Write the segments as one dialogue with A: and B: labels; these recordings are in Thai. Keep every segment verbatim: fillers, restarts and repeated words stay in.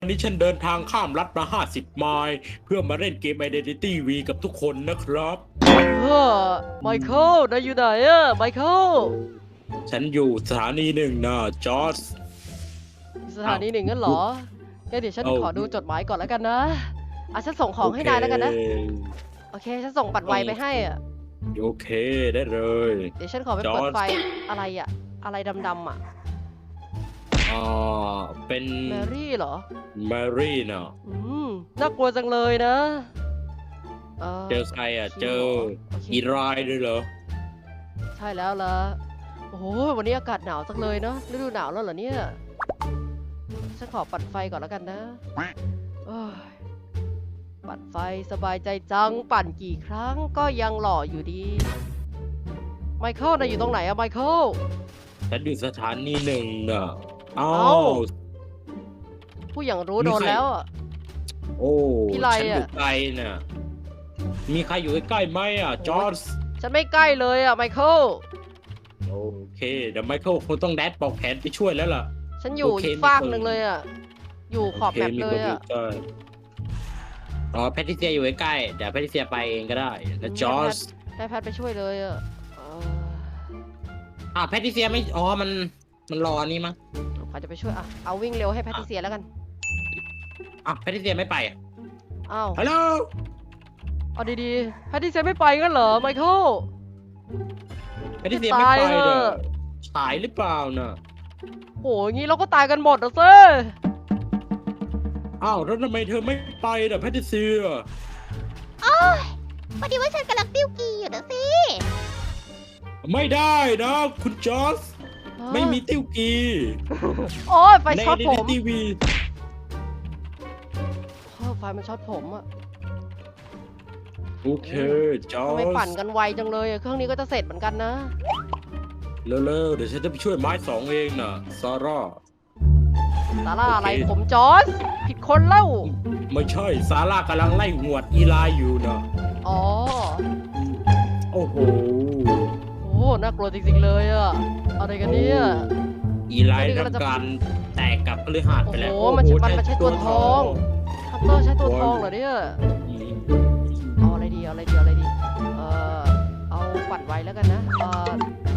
A: วันนี้ฉันเดินทางข้ามรัฐมาห้าสิบไมล์เพื่อมาเล่นเกม Identity V กับทุกคนนะครับ
B: เออไมเคิลนายอยู่ไหนอะไมเคิล
A: ฉันอยู่สถานีหนึ่งนะจอร์จ
B: สถานีหนึ่งงั้นเหรองั้นเดี๋ยวฉัน
A: เอา
B: ขอดูจดหมายก่อนแล้วกันนะอ่ะฉันส่งของให้นายแล้วกันนะ
A: โอเค
B: โอเคฉันส่งปัดไวไปให้อะ
A: โอเคได้เลย
B: เดี๋ยวฉันขอไป
A: จอร์จ
B: เปิดไฟอะไรอะอะไรดำๆอะ
A: อ่าเป็น
B: แมรี่เหรอ
A: แมรี่นะ
B: อืมน่ากลัวจังเลยนะ
A: เจอใครอ่ะ
B: คิว
A: เจอ
B: หรโเค
A: อีรายด้วยเหรอ
B: ใช่แล้วล่ะโอ้โหวันนี้อากาศหนาวจังเลยเนาะฤดูหนาวแล้วเหรอเนี่ยฉันขอปัดไฟก่อนแล้วกันนะเอ้ยปั่นไฟสบายใจจังปั่นกี่ครั้งก็ยังหล่ออยู่ดีไมเคิลนายอยู่ตรงไหนอะไมเคิล
A: ฉันอยู่สถานีหนึ่งนะอ้า
B: เอ้า
A: ว
B: ผู้อย่างรู้
A: มี
B: โดน
A: ใคร
B: แล้วอะ
A: โอ้
B: พี่ไร
A: ฉันอยู่
B: อะ
A: ไกลน่ะมีใครอยู่ใกล้ๆไหมอ่ะจอร์จ
B: ฉันไม่ใกล้เลยอะไมเคิล
A: โอเคเดี๋ยวไมเคิลคงต้องแดดปอกแขนไปช่วยแล้วล่ะ
B: ฉันอยู่
A: โอเค
B: อีกฟากหนึ่งเลยอะอยู่ขอบแมป
A: โค
B: เลยอะ
A: มีคนใกล้อ๋อแพทริเซียอยู่ใกล้ๆเดี๋ยวแพทริเซียไปเองก็ได้แล้วจอร์จ
B: ให้แพทไปช่วยเลยอะเออ
A: อ่าแพทริเซียไม่อ๋อมันมันรอนี่มั้ง
B: ใครจะไปช่วยอะเอาวิ่งเร็วให้แพทริเซียแล้วกัน
A: อ่ะแพทริเซียไม่ไปอ่ะ
B: อ้าว
A: ฮัลโหล
B: เอาดีๆแพทริเซียไม่ไปงั้นเหรอไมเคิล
A: แพทริเซียไม่ไป
B: ตายเถ
A: เด้อ
B: อะ
A: ฉายหรือเปล่าน่ะ
B: โหอย่างงี้เราก็ตายกันหมดนะเซ่
A: อ้าวแล้วทำไมเธอไม่ไปน่ะแพทริเซีย
C: โอ้ยพอดีว่าฉันกำลังติ้วกีอยู่นะสิ
A: ไม่ได้นะคุณจอร์จไม่มีติ้วกี
B: โอ้ยไฟ
A: ใน
B: ช็อตผม
A: ทีวี
B: โอ้ยไฟมันช็อตผมอะ
A: โอเคจอ
B: ทำ
A: ร์
B: ไม
A: จ
B: ปั่นกันไวจังเลยอะเครื่องนี้ก็จะเสร็จเหมือนกันนะ
A: เร็วๆเดี๋ยวฉันจะไปช่วยไม้สองเองน่ะซาร่า
B: สาร่า
A: โอเค
B: อะไรผมจอร์จผิดคนเล่า
A: ไม่ใช่ซาร่ากำลังไล่หวดอีไลอยู่นะ
B: อ๋อ
A: โอ้โห
B: โอ้น่ากลัวจริงๆเลยอะอะไรกันเนี่ย
A: อีไลทำการแตกกับพฤหัสไปแล้ว
B: โอ้โหมันมันมันใช้ตัวทอง คัตเตอร์ใช้ตัวทองเหรอเนี่ย
A: อืม
B: เอาอะไรดีเอาอะไรดีเอาอะไรดี เออเอาปั่นไวแล้วกันนะเออ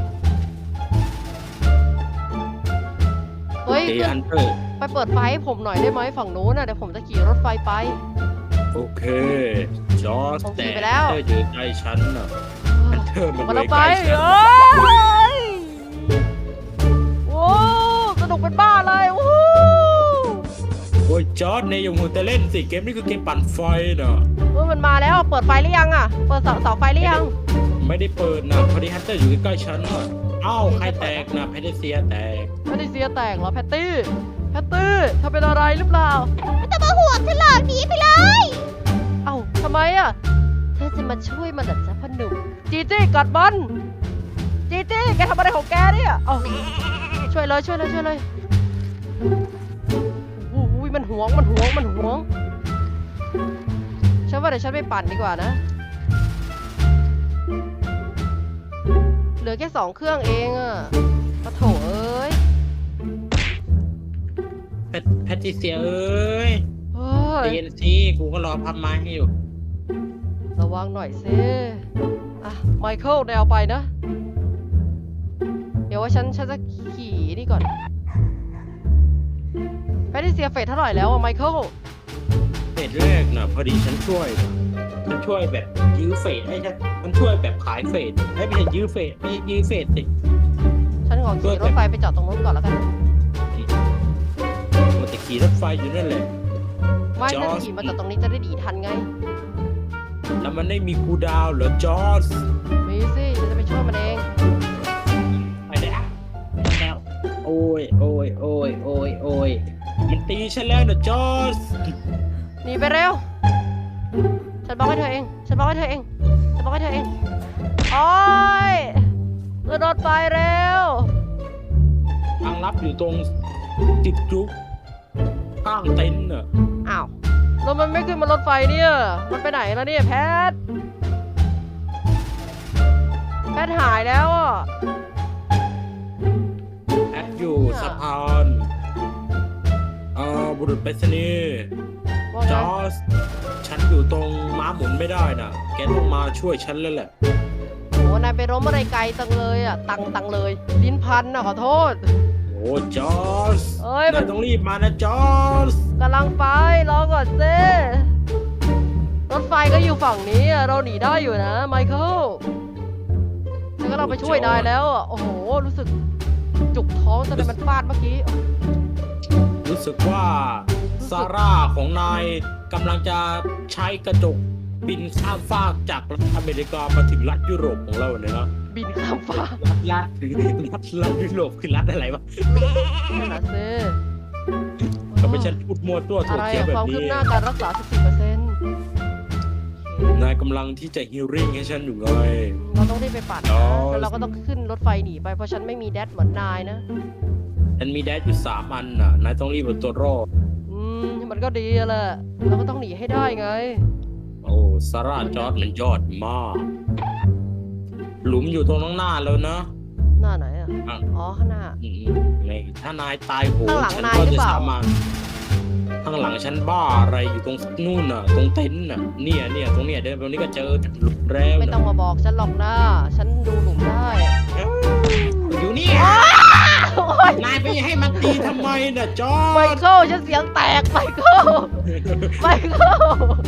B: เฮ้ย
A: เด
B: ขึ้น
A: ฮันเตอร์
B: ไปเปิดไฟให้ผมหน่อยได้ไหมฝั่งนู้นน่ะเดี๋ยวผมจะขี่รถไฟไป
A: โอเคจอร์จ
B: ผมขี่
A: แต่
B: ไปแล้ว
A: เธออยู่ใกล้ฉันน่ะฮันเตอร์มัน
B: มา
A: เล
B: แล้ว
A: ย
B: ไป
A: ใกล้ฉัน
B: เอ้ยโอ้สนุกเป็นบ้าเลยโอ้
A: โอ้ยจอร์จเนี่ยยังหัวแต่เล่นสิเกมนี้คือเกมปั่นไฟน่ะ
B: เออมันมาแล้วเปิดไฟหรือยังอ่ะเปิดเสาเสาไฟหรือยัง
A: ไม่ได้เปิดนะพอดีฮันเตอร์อยู่ใกล้ๆฉันน่ะเอ้าใครแตกนะแพทริเซียแตก
B: แพตติเซียแตกเหรอแพตตี้แพตตี้เธอเป็นอะไรหรือเปล่า
C: ไม่ต้องมาห่วงฉันหรอกหนีไปเลย
B: เอ้าทำไมอ่ะเธอจะมาช่วยมันเหรอจ๊ะพ่อหนุ่มจีจี้กัดมันจีจี้แกทำอะไรของแกเนี่ยเอ้าช่วยเลยช่วยเลยช่วยเลยโอ้โหมันหวงมันหวงมันหวงฉันว่าเดี๋ยวฉันไปปั่นดีกว่านะเหลือแค่สองเครื่องเองอะปะโถเอ้ย
A: แพทแพทริเซียเอ้ย
B: เฮ้ย
A: เอ็นซีกูก็รอพับไม้ให้อยู่
B: ระวังหน่อยสิอ่ะไมเคิลแนวไปนะ เดี๋ยวว่าฉันฉันจะขี่นี่ก่อนแพทริเซียเฟสเท่าไหร่แล้วอะไมเคิล
A: เฟสแรกน่ะพอดีฉันช่วยน่ะฉันช่วยแบบยื้อเฟสให้ฉันมันช่วยแบบขายเฟสให้ไม่ใช่ยื้อเฟสไม่ใช่ยื้อเฟสสิ
B: ฉันขอขี่รถไฟไปจอดตรงนู้นก่อนแล้วกัน
A: มันจะขี่รถไฟอยู่นั่นแหละ
B: ไม่
A: จอ
B: ถ้า
A: ร์จ
B: ขี่มาจอดตรงนี้จะได้ดีทันไง
A: แล้วมันได้มีคูลดาวน์เหรอจอร์จ
B: มีสิฉันจะไปช่วยมันเอง
A: ไปแล้วไปแล้วโอ้ยโอ้ยโอ้ยโอ้ยโอ้ยมันตีฉันแล้วนะจอร์จ
B: หนีไปเร็ว ฉันบอกให้เธอเอง ฉันบอกให้เธอเอง ฉันบอกให้เธอเองโอ้ยขึ้นรถไฟเร็ว
A: ทางลับอยู่ตรงจิบจุกข้างเต็นท์น่ะ
B: อ้าวแล้วมันไม่ขึ้นมารถไฟเนี่ย มันไปไหนแล้วเนี่ยแพท แพทหายแล้วอ่ะ
A: แอดอยู่สะพาน
B: โ
A: เอ่อบุรุษไปรษณีย์
B: ว่า
A: จ
B: ไง
A: อร์จฉันอยู่ตรงม้าหมุนไม่ได้น่ะ แกต้องมาช่วยฉันแล้วแหละ
B: โอ้นายไปล้มอะไรไกลจังเลยอ่ะ ตังตังเลย ลิ้นพันนะขอโทษ
A: โอ้จอร์จ
B: เอ้ยมัน
A: นายต้องรีบมานะจอร์จ
B: กำลังไปรอก่อนเซ่รถไฟก็อยู่ฝั่งนี้อะเราหนีได้อยู่นะไมเคิลฉันก็เราไปช่วยนายแล้วอะโอ้โห รู้สึกจุกท้องจนมันฟาดเมื่อกี้
A: รู้สึกว่าซาร่าของนายกำลังจะใช้กระจกบินข้ามฟากจากรัฐอเมริกามาถึงรัฐยุโรปของเราเนี่ยนะ
B: บินข้ามฟ้า
A: รัฐรัฐรัฐยุโรปคือรัฐอะไรวะ
B: นั่นนะเซ่
A: ทำไมฉันพูดมั่วตัว
B: อะ
A: ถั่ว
B: ไร
A: เขียว
B: อะ
A: แบ
B: ควา
A: บ
B: มคื
A: นี้
B: บหน้าการรักษา สิบสี่เปอร์เซ็นต์
A: นายกำลังที่จะฮิลลิ่งให้ฉันอยู่ไง
B: เราต้องรีบไปปั่น
A: อ๋
B: นะ
A: อ
B: แล้วเราก็ต้องขึ้นรถไฟหนีไปเพราะฉันไม่มีแดดเหมือนนายนะ
A: ฉันมีแดดอยู่สามอันน่ะ นายต้องรีบเอาตัวรอด
B: อืมมันก็ดีอะแหละเราก็ต้องหนีให้ได้ไง
A: โอ้ซาร่าจอร์ดมันยอดมาก หลุมอยู่ตรงข้างหน้าแล้วนะ
B: หน้าไหนอะ
A: อ่ะ
B: อ๋อข้างหน้า
A: อืมในถ้านายตายโหง
B: ข้างหลัง
A: ฉัน
B: นาย
A: ก็
B: หรือ
A: จะ
B: เปล่า
A: สามารถข้างหลังฉันบ้าอะไรอยู่ตรงนู่นน่ะ ตรงเต็นท์น่ะ เนี่ยเนี่ยตรงเนี้ยเดินไปตรงนี้ก็เจอหลุมแล้ว
B: ไม่ต้อง
A: น่ะ
B: มาบอกฉันหรอกนะฉันดูหลุมได้
A: อยู่นี่
B: โอ๊ย
A: นายไปให้มันตีทำไมน่ะจอ
B: ไม
A: ร์ด
B: เคิลฉันเสียงแตกไมเคิลไมเคิล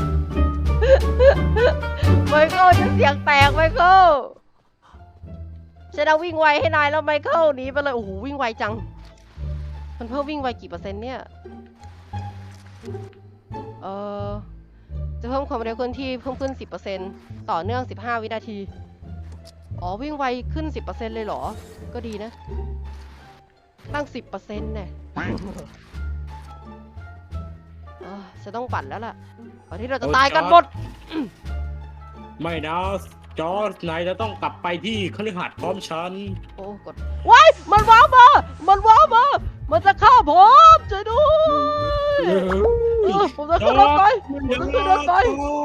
B: ไมเคิลฉันเสียงแตกไมเคิลฉันเอาวิ่งไวให้นายแล้วไมเคิลหนีไปเลยโอ้โหวิ่งไวจัง มันเพิ่มวิ่งไวกี่เปอร์เซ็นต์เนี่ยเออจะเพิ่มความเร็วเคลื่อนที่เพิ่มขึ้น สิบเปอร์เซ็นต์ ต่อเนื่อง สิบห้า วินาที อ๋อวิ่งไวขึ้น สิบเปอร์เซ็นต์ เลยเหรอ ก็ดีนะ ตั้ง สิบเปอร์เซ็นต์ เนี่ยเออจะต้องปั่นแล้วล่ะก่อนที่เราจะตายกันหมด
A: ไม่นะจอร์ดนายจะต้องกลับไปที่คฤหาสน์พร้อมฉัน
B: โอ้กดว้ายมันว้าวมา มันว้าวมา มันจะฆ่าผมช่วยด้วยเออผมจะขึ้นรถไฟผมจะขึ้นรถไฟ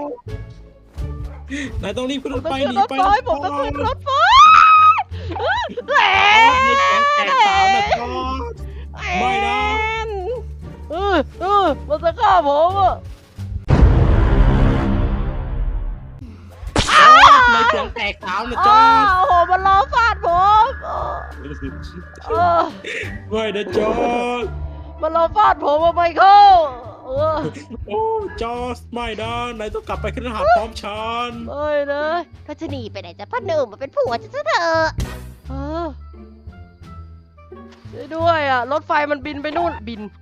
A: นายต้องรีบขึ้น
B: ผ
A: ร
B: ม
A: ถ
B: จะ
A: ไฟ
B: ขึ้น
A: หนี
B: รถ
A: ไป
B: ไฟ
A: นะ
B: ผมจะขึ้นรถไฟแห
A: แตกสาวนะจอร์ด ไม่นะ
B: เออเออมันจะฆ่าผมอ่ะ
A: นายเสียงแตกสาวนะจ
B: อ้า
A: อร์ด
B: วโอ้โหมันล้อฟาดผมเออ
A: ไม่นะจอร์ด
B: มันล้อฟาดผมอะไมเคิลเออ
A: โอ้จอร์ดไม่นะนายต้องกลับไปคฤหาสน์พร้อมฉัน
B: ไม่นะ
C: ถ้าจะหนีไปไหนจะพ่อหนุ่มมาเป็นผัวฉันซะเถอะ
B: เออช่วยด้วยอ่ะ รถไฟมันบินไปนู่นบิน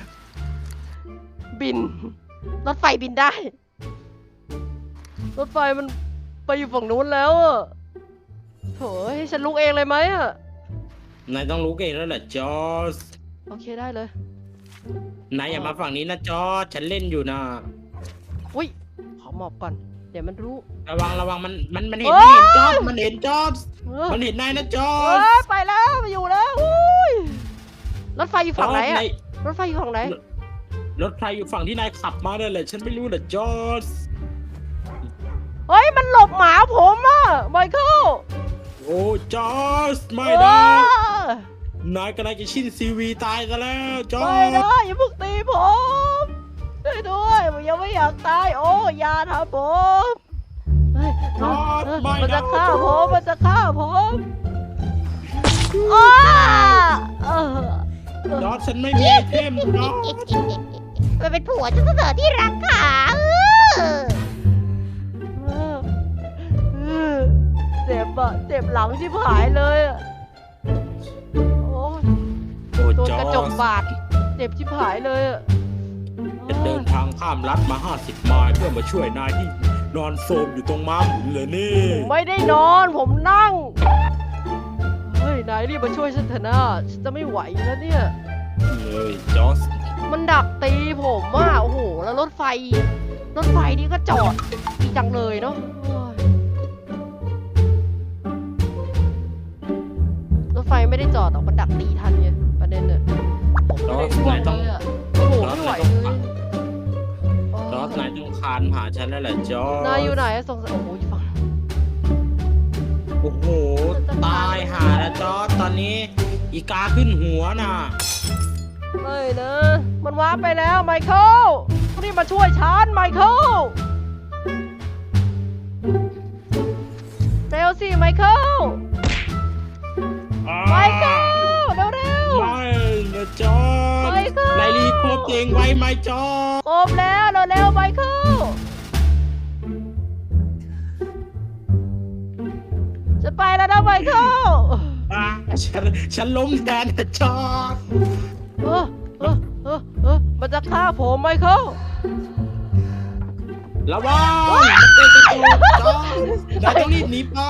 B: บิน รถไฟบินได้ รถไฟมันไปอยู่ฝั่งนู้นแล้วอ่ะโถ่ให้ฉันลุกเองเลยไหมอ่ะ
A: นายต้องรู้เองแล้วแหละจอร์ด
B: โอเคได้เลย
A: นายอย่ามาฝั่งนี้นะจอร์ดฉันเล่นอยู่นะ
B: อุ้ยขอหมอบก่อน เดี๋ยวมันรู้
A: ระวังระวังมันมันมันเห็น
B: โอ๊
A: มัน
B: ย
A: เห็นจอร์ดมันเห็นจอร์ด
B: เออ
A: มันเห็นนายนะจอ
B: เอ้
A: ร์ด
B: ยไปแล้วมาอยู่แล้วอุ้ยรถไฟอยู่ฝั่งไหน
A: จ
B: อ่ะ
A: ร์ดาย
B: รถไฟอยู่ฝั่งไหน
A: รถไฟอยู่ฝั่งที่นายขับมานั่นแหละฉันไม่รู้นะจอร์ด
B: เฮ้ยมันหลบหมาผมอ่ะไมเคิล
A: โอ้จอร์ดไม่
B: เอ
A: นะ
B: อน
A: ายกำลังจะชินซีวีตายซะแล้วจอ
B: ไม่
A: ร์ด
B: นะอย่าเพิ่งตีผมช่วยด้วยผมยังไม่อยากตายโอ้อย่าทำผมเฮ้ย
A: จอร์ดไม่
B: มัน
A: นะ
B: จะฆ่าผมมันจะฆ่าผมอ้าเออ
A: จอร์ดฉันไม่มีไอเทมจอร์ด
C: มาเป็นผัวฉันซะเถอะที่รักขาเออ
B: เออเออเจ็บอะเจ็บหลังที่หายเลยอะโอ้ย
A: โอ้
B: โดน
A: จอก
B: ระจก
A: ร์ด
B: บาดเจ็บที่หายเลยอะ
A: จะเดินทางข้ามรัฐมาห้าสิบไมล์เพื่อมาช่วยนายที่นอนโซมอยู่ตรงม้าหมุนเลยนี่
B: ผมไม่ได้นอนผมนั่ง เฮ้ย นายรีบมาช่วยฉันเถอะนะฉันจะไม่ไหวแล้วเนี่ย
A: เลยจอร์ด
B: มันดักตีผมอ่ะโอ้โห แล้วรถไฟ รถไฟนี่ก็จอดดีจังเลยเนาะโอ้ยรถไฟไม่ได้จอดหรอกมันดักตีทันไงประเด็นเนี่ยผมไม่ได้ช่วยเลยอะโอ้โหไม่ไหวเลยโอ้
A: จอร์ดนายต้องคานหาฉันแล้วแหละจอร์ด
B: นายอยู่ไหนอะสงสัยโอ้โหอยู่ฝั่ง
A: โอ้โห ตายหาแล้วจอร์ดตอนนี้ อีกาขึ้นหัวน่ะ
B: ไม่นะ มันว้าร์ปไปแล้วไมเคิลรีบมาช่วยฉันไมเคิลเร็วสิไมเคิล
A: อ่า
B: ไมเคิลเร็วเร็ว
A: ไม่นะจอร์ด
B: ไมเคิล
A: นายรีโคบเองไว้ไหมจอร์ด
B: ครบแล้วเร็วเร็วไมเคิลจะไปแล้วนะไมเคิล
A: อ่าฉันฉันล้มแทนนะจอร์ด
B: เออเออเออเออมันจะฆ่าผมไมเคิล
A: ระวังมันเป็นกระจกจอร์ดนายต้องรีบหนีไป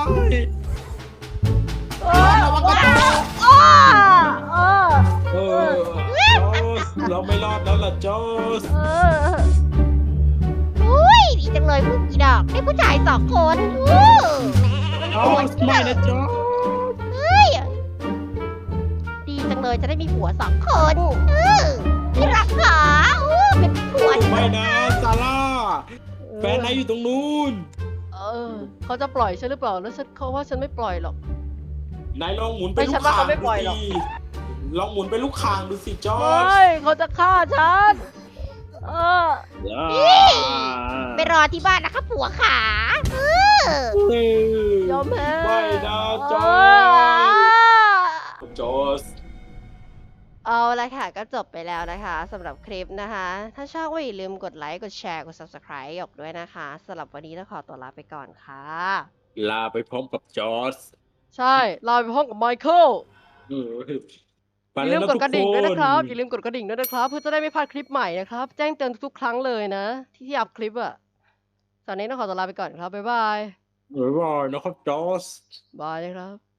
B: เออ
A: ระวังกระจก
B: อ้าเออ
A: เออจอร์ดเราไม่รอดแล้วล่ะจอร์ด
B: เออ
C: อุ้ยดีจังเลยพวกอีดอกได้ผู้ชายสองคนอู้
A: จอร์ดไม่นะจอร์ด
C: เฮ้ยดีจังเลยจะได้มีผัวสองคนอื้อที่รักขาอู้เป็นผัวที่
A: ไม่นะซาร่าแฟนนายอยู่ตรงนู้น
B: เออเขาจะปล่อยฉันหรือเปล่าแล้วฉันเขาว่าฉันไม่ปล่อยหรอก
A: นายลองหมุนไป
B: ไม่
A: ลู
B: ฉั
A: ก
B: นว่า
A: คาง
B: เขาไม่
A: ดู
B: ปล่อยหรอก
A: สิลองหมุนไปลูกคางดูสิจอ
B: ไม
A: ร์ด่
B: เขาจะฆ่าฉันเออ
C: ไปรอที่บ้านนะคะผัวขาอื้อย
B: อมแพ้
A: ไม่นะจอ
B: เอ
A: ร์ดจอร์ด
B: เอาละค่ะก็จบไปแล้วนะคะสำหรับคลิปนะคะ ถ้าชอบก็อย่าลืมกดไลค์กดแชร์กด ซับสไครบ์ หยกด้วยนะคะสำหรับวันนี้ต้องขอตัวลาไปก่อนค่ะ
A: ลาไปพร้อมกับจอร์ด
B: ใช่ลาไปห้องกับไมเคิล
A: เออไป
B: อย่า
A: แล้
B: ลื
A: ว
B: ม
A: นะ
B: กด
A: ทุก
B: กระดิ่ง
A: ค
B: ด้วย
A: น
B: นะครับอย่าลืมกดกระดิ่งด้วยนะครับ เพื่อจะได้ไม่พลาดคลิปใหม่นะครับ แจ้งเตือนทุกๆครั้งเลยนะ ที่ที่อัพคลิปอะตอนนี้ต้องขอตัวลาไปก่อนครับ บ๊ายบาย
A: บ๊ายบายนะครับจอร์ด
B: บายนะครับ